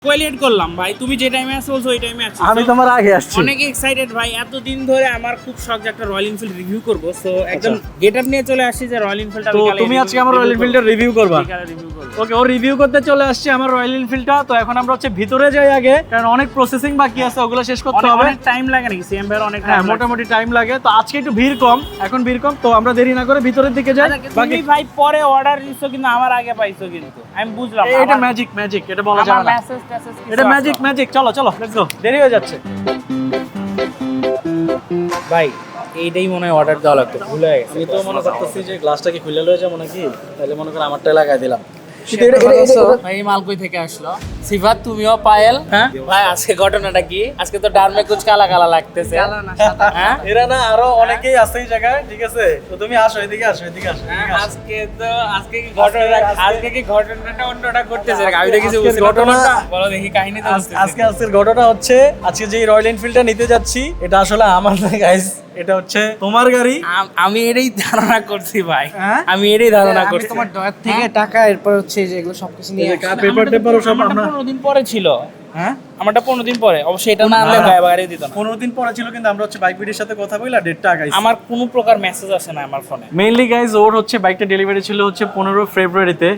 কোয়েলেট করলাম ভাই, তুমি যে টাইমে আসছো বলছো ওই টাইমে আছি। আমি তোমার আগে আসছি। অনেক এক্সাইটেড ভাই, এতদিন ধরে আমার খুব শখ যে একটা রয়্যাল এনফিল্ড রিভিউ করব। সো একদম গেটআপ নিয়ে চলে আসছি যে রয়্যাল এনফিল্ডটা তো তুমি আজকে আমার রয়্যাল এনফিল্ডের রিভিউ করবা। ওকে, ও রিভিউ করতে চলে আসছে আমার রয়্যাল এনফিল্ডটা। তো এখন আমরা হচ্ছে ভিতরে যাই আগে, কারণ অনেক প্রসেসিং বাকি আছে, ওগুলো শেষ করতে হবে। অনেক টাইম লাগে নাকি সিএম ভাই? অনেক হ্যাঁ, মোটামুটি টাইম লাগে। তো আজকে একটু ভিড় কম, এখন ভিড় কম, তো আমরা দেরি না করে ভিতরের দিকে যাই। বাকি ভাই পরে অর্ডার দিছো কিন্তু আমার আগে পাইছো কিন্তু আমি বুঝলাম না। এটা ম্যাজিক, ম্যাজিক, এটা বলা যায় আমার না। মেসেজ টেসেজ এটা ম্যাজিক, ম্যাজিক। চলো চলো, লেটস গো, দেরি হয়ে যাচ্ছে। ভাই এইটাই মনে হয় অর্ডার দেওয়া লাগতো, ভুলে গেছি। আমি তো মনে করতেছি যে গ্লাসটা কি খুলে লয়ে যাবো নাকি, তাহলে মনে করে আমারটাই লাগাই দিলাম। ভাই এই মাল কই থেকে আসলো? সিফাত, তুমিও পায়েল? হ্যাঁ ভাই আজকে ঘটনাটা কি? আজকে তো ডারমে কুছ কালা কালা লাগতেছে। হ্যাঁ এরা না আরো অনেকেই আছে এই জায়গায়, ঠিক আছে? তো তুমি আসো, এদিকে আসো, এদিকে আসো, এদিকে আসো। আজকে কি ঘটনাটা অন্যটা করতেছে? আমি তো কিছু বুঝতে ঘটনা- বলো দেখি কাহিনী তো আজকের ঘটনা হচ্ছে, আজকে যে রয়্যাল এনফিল্ডটা নিতে যাচ্ছি, এটা আসলে আমার না গাইস, এটা হচ্ছে তোমার গাড়ি। আমি এটাই ধারণা করছি ভাই, হ্যাঁ? আমি এটাই ধারণা করছি। তোমার ডয়ার থেকে টাকা, এরপর হচ্ছে যে এগুলো সবকিছু নিয়ে পেপার টেপার সব আমারটা আমরা 15 দিন পরে ছিল। হ্যাঁ, আমারটা 15 দিন পরে, অবশ্যই এটা না আনলে গাড়ি দিত না। 15 দিন পরে ছিল, কিন্তু আমরা হচ্ছে বাইক বিডির সাথে কথা বললা ডেটটা আগাইছি। আমার কোনো প্রকার মেসেজ আসে না আমার ফোনে। মেইনলি গাইজ ওর হচ্ছে বাইকটা ডেলিভারি ছিল হচ্ছে 15 ফেব্রুয়ারিতে,